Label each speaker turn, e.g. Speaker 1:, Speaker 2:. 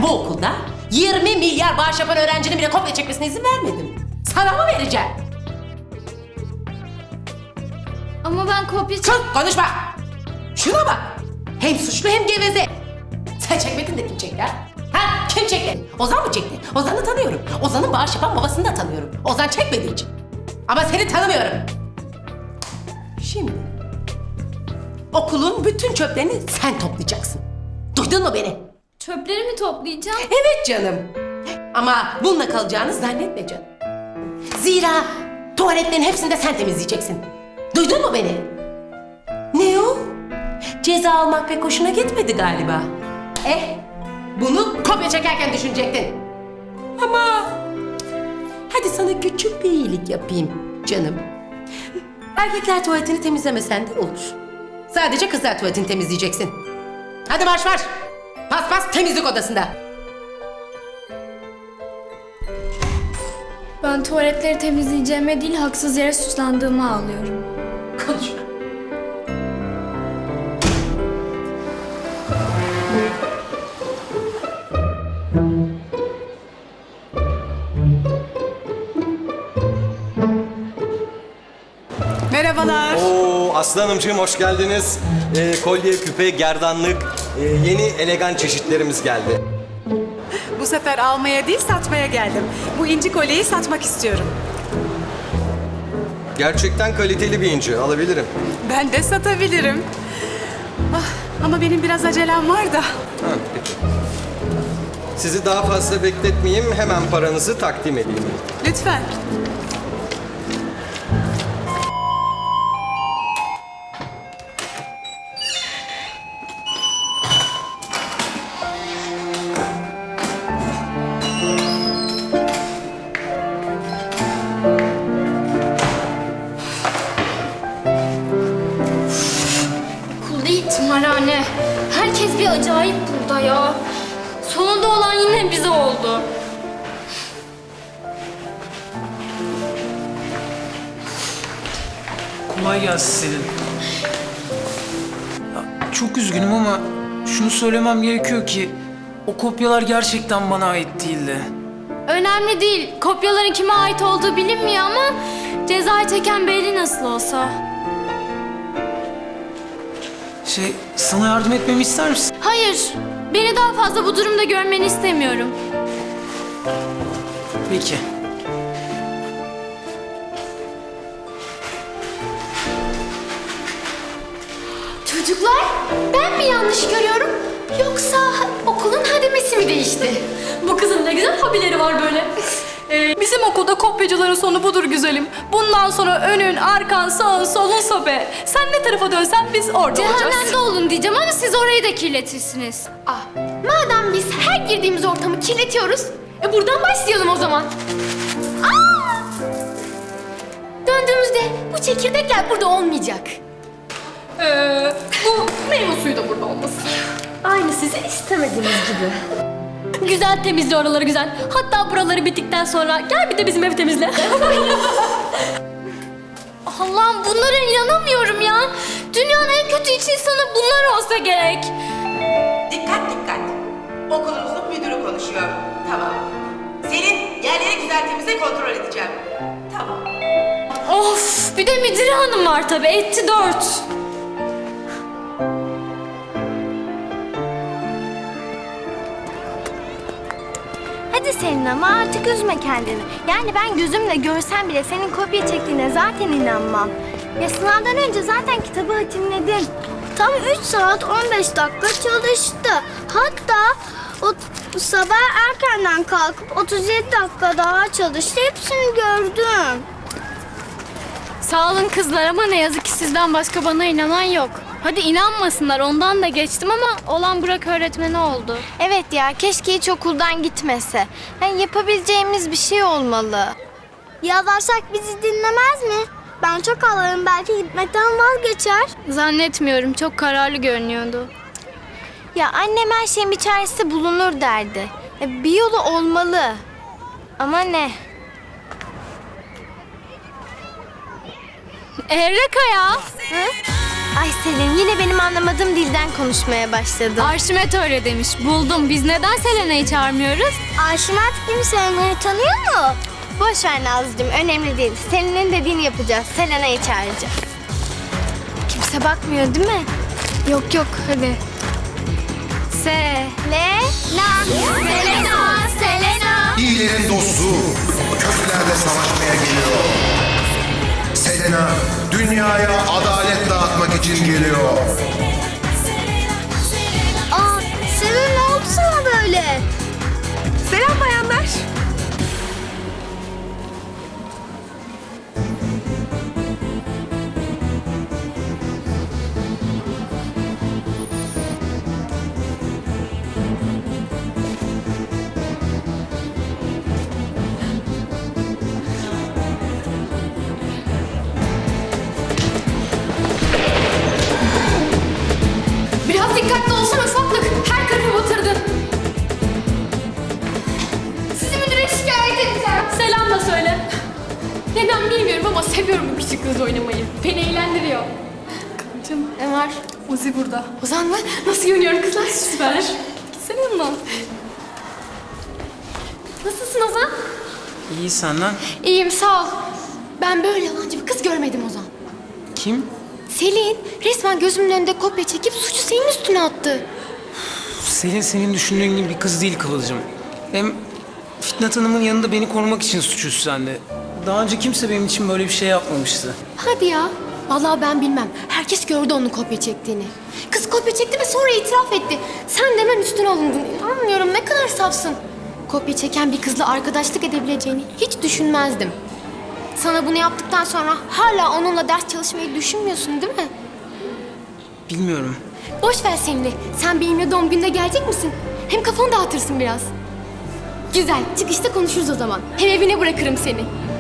Speaker 1: bu okulda 20 milyar bağış yapan öğrencinin bile kopya çekmesine izin vermedim. Sana mı vereceğim?
Speaker 2: Ama ben kopya
Speaker 1: Sus, konuşma! Şuna bak! Hem suçlu hem geveze. Sen çekmedin de kim çekti ha? Ha? Kim çekti? Ozan mı çekti? Ozan'ı tanıyorum. Ozan'ın bağış yapan babasını da tanıyorum. Ozan çekmediği için. Ama seni tanımıyorum. Şimdi okulun bütün çöplerini sen toplayacaksın. Duydun mu beni?
Speaker 2: Çöpleri mi toplayacağım?
Speaker 1: Evet canım. Ama bununla kalacağını zannetme canım. Zira tuvaletlerin hepsini de sen temizleyeceksin. Duydun mu beni? Ne o? Ceza almak pek hoşuna gitmedi galiba. Bunu kopya çekerken düşünecektin. Ama hadi sana küçük bir iyilik yapayım canım. Erkekler tuvaletini temizlemesen de olur. Sadece kızlar tuvaletini temizleyeceksin. Hadi marş marş. Pas pas temizlik odasında.
Speaker 2: Ben tuvaletleri temizleyeceğime değil haksız yere suçlandığımı ağlıyorum.
Speaker 1: Konuşma.
Speaker 3: Merhabalar.
Speaker 4: Oo, Aslı Hanımcığım hoş geldiniz. Kolye, küpe, gerdanlık, yeni elegan çeşitlerimiz geldi.
Speaker 3: Bu sefer almaya değil satmaya geldim. Bu inci kolyeyi satmak istiyorum.
Speaker 4: Gerçekten kaliteli bir inci, alabilirim.
Speaker 3: Ben de satabilirim. Ama benim biraz acelem var da.
Speaker 4: Ha, peki. Sizi daha fazla bekletmeyeyim, hemen paranızı takdim edeyim.
Speaker 3: Lütfen.
Speaker 2: Okul değil tımarhane. Herkes bir acayip burada ya. Sonunda olan yine bize oldu.
Speaker 5: Kolay gelsin Selin. Ya, çok üzgünüm ama şunu söylemem gerekiyor ki o kopyalar gerçekten bana ait değildi.
Speaker 2: Önemli değil. Kopyaların kime ait olduğu bilinmiyor ama cezayı çeken belli nasıl olsa.
Speaker 5: Sana yardım etmemi ister misin?
Speaker 2: Hayır. Beni daha fazla bu durumda görmeni istemiyorum.
Speaker 5: Peki.
Speaker 2: Çocuklar, ben mi yanlış görüyorum? Yoksa okulun hademesi mi değişti? Bu kızın ne güzel hobileri var böyle.
Speaker 6: Bizim okulda kopyacıların sonu budur güzelim. Bundan sonra önün, arkan, sağın, solun sobe. Sen ne tarafa dönsen biz orada olacağız.
Speaker 2: Cehennemde olun diyeceğim ama siz orayı da kirletirsiniz. Madem biz her girdiğimiz ortamı kirletiyoruz, buradan başlayalım o zaman. Döndüğümüzde bu çekirdekler burada olmayacak.
Speaker 6: Bu meyve suyu da burada olmasın.
Speaker 2: Aynı sizin istemediğiniz gibi. Güzel temizle oraları güzel. Hatta buraları bittikten sonra gel bir de bizim evi temizle. Allah'ım bunlara inanamıyorum ya. Dünyanın en kötü iç insanı bunlar olsa gerek.
Speaker 7: Dikkat dikkat. Okulumuzun müdürü konuşuyor. Tamam. Selin yerleri güzel temizle kontrol edeceğim. Tamam.
Speaker 2: Of bir de müdür hanım var tabii. Etti 4.
Speaker 8: Hadi Selin ama artık üzme kendini. Yani ben gözümle görsem bile senin kopya çektiğine zaten inanmam. Ya sınavdan önce zaten kitabı hatimledim. Tam 3 saat 15 dakika çalıştı. Hatta o sabah erkenden kalkıp 37 dakika daha çalıştı. Hepsini gördüm.
Speaker 2: Sağ olun kızlar ama ne yazık ki sizden başka bana inanan yok. Hadi inanmasınlar ondan da geçtim ama olan Burak öğretmeni oldu.
Speaker 8: Evet ya keşke hiç okuldan gitmese. Yani yapabileceğimiz bir şey olmalı. Yalvarsak bizi dinlemez mi? Ben çok ağlarım belki gitmekten vazgeçer.
Speaker 2: Zannetmiyorum çok kararlı görünüyordu.
Speaker 8: Ya annem her şeyin bir çaresi bulunur derdi. Bir yolu olmalı. Ama ne?
Speaker 2: Evreka ya.
Speaker 8: Hı? Ay Selin yine benim anlamadığım dilden konuşmaya başladın.
Speaker 2: Arşimet öyle demiş. Buldum. Biz neden Selena'yı çağırmıyoruz?
Speaker 8: Arşimet gibi Selena'yı tanıyor mu? Boş ver Nazlıcığım, önemli değil. Selin'in dediğini yapacağız. Selena'yı çağıracağız. Kimse bakmıyor değil mi?
Speaker 2: Yok yok hadi.
Speaker 8: Selena. Selena. Selena.
Speaker 9: İyilerin dostu, kötülerle savaşmaya geliyor. Selena, dünyaya adalet dağıtmak için geliyor.
Speaker 8: Aa, Selena ne oldu sana böyle?
Speaker 3: Selam bayanlar.
Speaker 6: Biraz dikkatli olsana ufaklık. Her tarafı batırdın. Sizi müdüre şikayet edeceğim. Selam da söyle. Neden bilmiyorum ama seviyorum bu küçük kız oynamayı. Beni eğlendiriyor. Canım ne var? Uzi burada. Ozan mı? Nasıl görünüyorum kızlar? Süper. Gitsene yanına. Nasılsın Ozan?
Speaker 5: İyi senden.
Speaker 6: İyiyim sağ ol. Ben böyle yalancı bir kız görmedim Ozan.
Speaker 5: Kim?
Speaker 6: Selin resmen gözümün önünde kopya çekip suçu senin üstüne attı.
Speaker 5: Selin senin düşündüğün gibi bir kız değil Kıvılcım. Hem Fitnat Hanım'ın yanında beni korumak için suç üstlendi. Daha önce kimse benim için böyle bir şey yapmamıştı.
Speaker 6: Hadi ya. Vallahi ben bilmem. Herkes gördü onun kopya çektiğini. Kız kopya çekti ve sonra itiraf etti. Sen de hemen üstüne alındın. İnanmıyorum ne kadar safsın. Kopya çeken bir kızla arkadaşlık edebileceğini hiç düşünmezdim. Sana bunu yaptıktan sonra hala onunla ders çalışmayı düşünmüyorsun değil mi?
Speaker 5: Bilmiyorum.
Speaker 6: Boş ver Selin'i. Sen benimle doğum gününe gelecek misin? Hem kafanı dağıtırsın biraz. Güzel. Çıkışta konuşuruz o zaman. Hem evine bırakırım seni.